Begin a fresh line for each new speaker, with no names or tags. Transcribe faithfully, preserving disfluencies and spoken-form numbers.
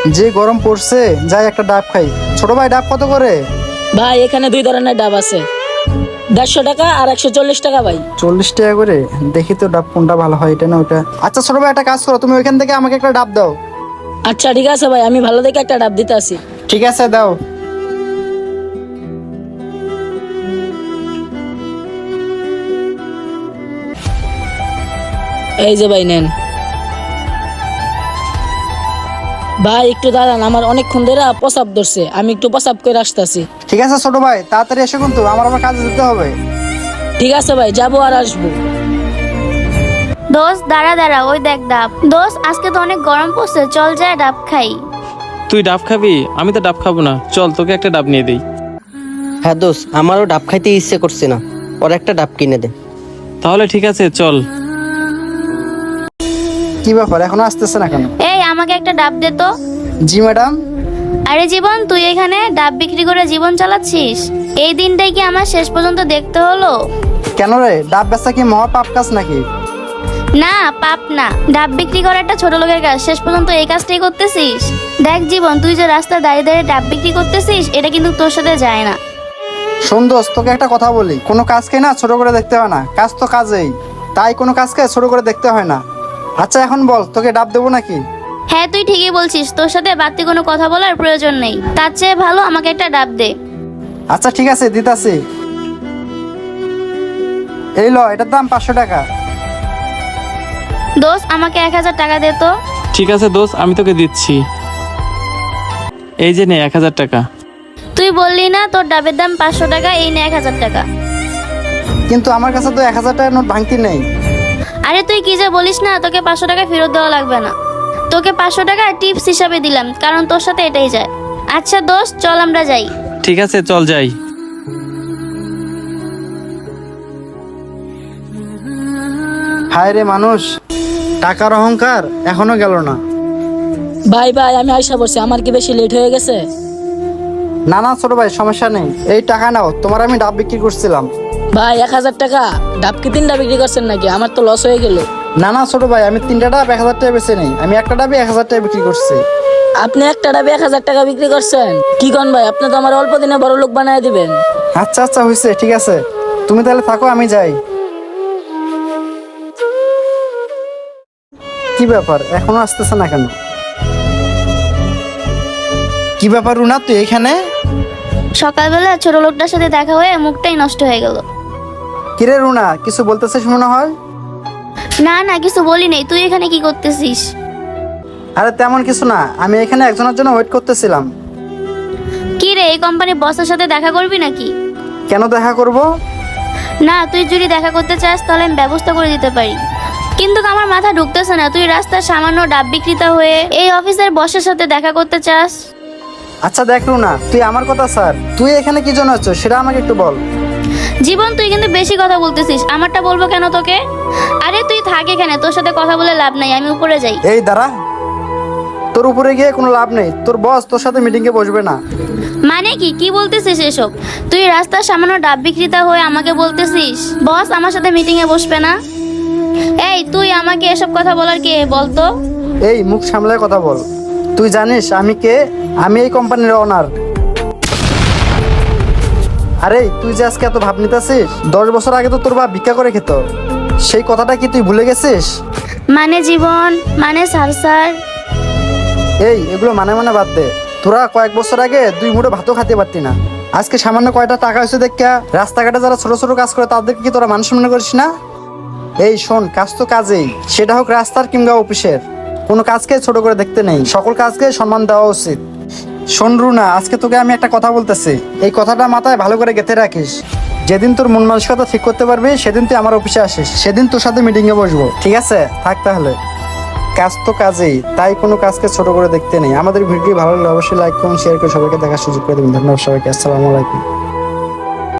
যে গরম পড়ছে, যাই একটা ডাব খাই। ছোট ভাই, ডাব কত করে?
ভাই এখানে দুই ধরনের ডাব আছে, দেড়শো টাকা আর একশো চল্লিশ টাকা ভাই।
চল্লিশ টাকা করে? দেখি তো ডাব কোনটা ভালো হয়, এটা না ওটা। আচ্ছা ছোট ভাই, একটা কাজ করো, তুমি ওইখান থেকে আমাকে একটা ডাব দাও।
আচ্ছা ঠিক আছে ভাই, আমি ভালো দেখে একটা ডাব দিতে আসি।
ঠিক আছে, দাও।
এই যে ভাই নেন। ভাই একটু দাঁড়ান, আমার অনেকক্ষণ ধরে প্রসাব ধরছে, আমি একটু প্রসাব করে আসতেছি।
ঠিক আছে ছোট ভাই, তাড়াতাড়ি এসো কিন্তু, আমার আবার কাজে যেতে হবে।
ঠিক আছে ভাই, যাবো আর আসবো।
দোস্ত দাঁড়া দাঁড়া, ওই দেখ ডাব। দোস্ত আজকে তো অনেক গরম পড়ছে, চল যায় ডাব খাই।
তুই ডাব খাবি? আমি তো ডাব খাবো না, চল তোকে একটা ডাব নিয়ে দেই।
হ্যাঁ দোস্ত, আমারও ডাব খাইতে ইচ্ছে করছে না, ওর একটা ডাব কিনে দে।
তাহলে ঠিক আছে চল।
কি ব্যাপার, এখনো আসতেছে না কেন?
এই আমাকে একটা ডাব দে তো।
জি ম্যাডাম।
আরে জীবন, তুই এখানে ডাব বিক্রি করে জীবন চালাচ্ছিস? এই দিনটাই কি আমার শেষ পর্যন্ত দেখতে হলো?
কেন রে, ডাব বেচা কি মহা পাপ কাজ নাকি?
না পাপ না, ডাব বিক্রি করা একটা ছোট লোকের কাজ, শেষ পর্যন্ত এই কাজটাই করতেছিস। দেখ জীবন, তুই যে রাস্তায় দাঁড়িয়ে দাঁড়িয়ে ডাব বিক্রি করতেছিস, এটা কিন্তু তোর সাথে যায় না।
শোন দোস্ত, তোকে একটা কথা বলি, কোনো কাজকে না ছোট করে দেখতে হয় না, কাজ তো কাজেই, তাই কোনো কাজকে ছোট করে দেখতে হয় না। আচ্ছা এখন বল, তোকে ডাব দেবো নাকি?
হ্যাঁ তুই ঠিকই বলছিস, তোর সাথে বাড়তি কোনো কথা বলার প্রয়োজন নেই, তার চেয়ে ভালো আমাকে একটা ডাব দে।
আচ্ছা ঠিক আছে, দিতাছি। এই ল, এটার দাম পাঁচশো টাকা।
দোস্ত আমাকে এক হাজার টাকা দে তো।
ঠিক আছে দোস্ত, আমি তোকে দিচ্ছি। এই যে নে এক হাজার টাকা।
তুই বললি না তোর ডাবের দাম পাঁচশো টাকা, এই নে এক হাজার টাকা।
কিন্তু আমার কাছে তো এক হাজার টাকার নোট ভাঙতি নেই।
আরে তুই কি যে বলিস না, তোকে পাঁচশো টাকা ফেরত দেওয়া লাগবে না, তোকে পাঁচশো টাকা টিপস হিসাবে দিলাম, কারণ তোর সাথে এটাই যায়। আচ্ছা দোস্ত চল আমরা যাই।
ঠিক আছে চল যাই।
হায় রে মানুষ, টাকার অহংকার এখনো গেল না।
ভাই ভাই আমি আইসা বসছি, আমার কি বেশি লেট হয়ে গেছে?
না না ছোট ভাই, সমস্যা নেই, এই টাকা নাও, তোমার আমি ডাব বিক্রি করছিলাম।
ভাই এক হাজার টাকা ডাব কি তিনটা বিক্রি করছেন নাকি? আমার তো লস হয়ে গেল।
না না ছোট ভাই, আমি তিনটা ডাব এক হাজার টাকা বেচে নেই, আমি একটা ডাবে এক হাজার টাকা বিক্রি করছি।
আপনি একটা ডাবে এক হাজার টাকা বিক্রি করছেন? কি কন ভাই, আপনি তো আমার অল্প দিনে বড় লোক বানায় দিবেন।
আচ্ছা আচ্ছা হয়েছে, ঠিক আছে, তুমি তাহলে থাকো, আমি যাই। কি ব্যাপার, এখনো আসতেছে না কেন? কি ব্যাপার রুনা, তুই এখানে?
সকালবেলা ছোট লোকটার সাথে দেখা হয়ে মুখটাই নষ্ট হয়ে গেল।
কিরে রুনা, কিছু বলতেছিস মনে হয়?
না না কিছু বলি নেই, তুই এখানে কি করতেছিস?
আরে তেমন কিছু না, আমি এখানে একজনের জন্য ওয়েট করতেছিলাম।
কি রে, এই কোম্পানির বসের সাথে দেখা করবি নাকি?
কেন দেখা করব?
না তুই যদি দেখা করতে চাস তাহলে আমি ব্যবস্থা করে দিতে পারি, কিন্তু আমার মাথা ঢুকতেছে না, তুই রাস্তার সামান্য ডাব বিক্রেতা হয়ে এই অফিসের বসের সাথে দেখা করতে চাস।
আচ্ছা দেখ রুনা, তুই আমার কথা স্যার, তুই এখানে কি জন্য আছো সেটা আমাকে একটু বল।
জীবন তুই কিন্তু বেশি কথা বলতেছিস, আমারটা বলবো কেন তোকে? আরে তুই থাক এখানে, তোর সাথে কথা বলে লাভ নাই, আমি উপরে যাই।
এই দাঁড়া, তোর উপরে গিয়ে কোনো লাভ নেই, তোর বস তোর সাথে মিটিং এ বসবে না।
মানে কি কি বলতেছিস এসব? তুই রাস্তার সামান্য ডাব বিক্রেতা হয়ে আমাকে বলতেছিস বস আমার সাথে মিটিং এ বসবে না? এই তুই আমাকে এসব কথা বলার কে বলতো?
এই মুখ সামলায় কথা বল, তুই জানিস আমি কে? আমি এই কোম্পানির ওনার। আরে তুই যে আজকে এত ভাব নিতেছিস, দশ বছর আগে তো তোর বাপ ভিক্ষা করে খেত, সেই কথাটা কি তুই ভুলে গেছিস?
মানে জীবন, মানে স্যার স্যার
এই এগুলো মানে মানে বাদ দে, তোরা কয়েক বছর আগে দুই মুঠো ভাতও খেতে পারতি না, আজকে সামান্য কয়টা টাকা হয়েছে দেখা রাস্তাঘাটে যারা ছোট ছোট কাজ করে তাদেরকে কি তোরা মানুষ মনে করিস না? এই শোন, কাজ তো কাজেই, সেটা হোক রাস্তার কিংবা অফিসের, কোনো কাজকে ছোট করে দেখতে নেই, সকল কাজকে সম্মান দেওয়া উচিত। শোন রুনা, আজকে তোকে আমি একটা কথা বলতেছি, এই কথাটা মাথায় ভালো করে গেঁথে রাখিস, যেদিন তোর মন মানসিকতা ঠিক করতে পারবি সেদিন তুই আমার অফিসে আসিস, সেদিন তোর সাথে মিটিং এ বসবো, ঠিক আছে? থাক তাহলে। কাজ তো কাজেই, তাই কোনো কাজকে ছোট করে দেখতে নেই। আমাদের ভিডিও ভালো লাগলে অবশ্যই লাইক করুন, শেয়ার করে সবাইকে দেখার সুযোগ করে দেবেন। ধন্যবাদ সবাইকে, আসসালামু আলাইকুম।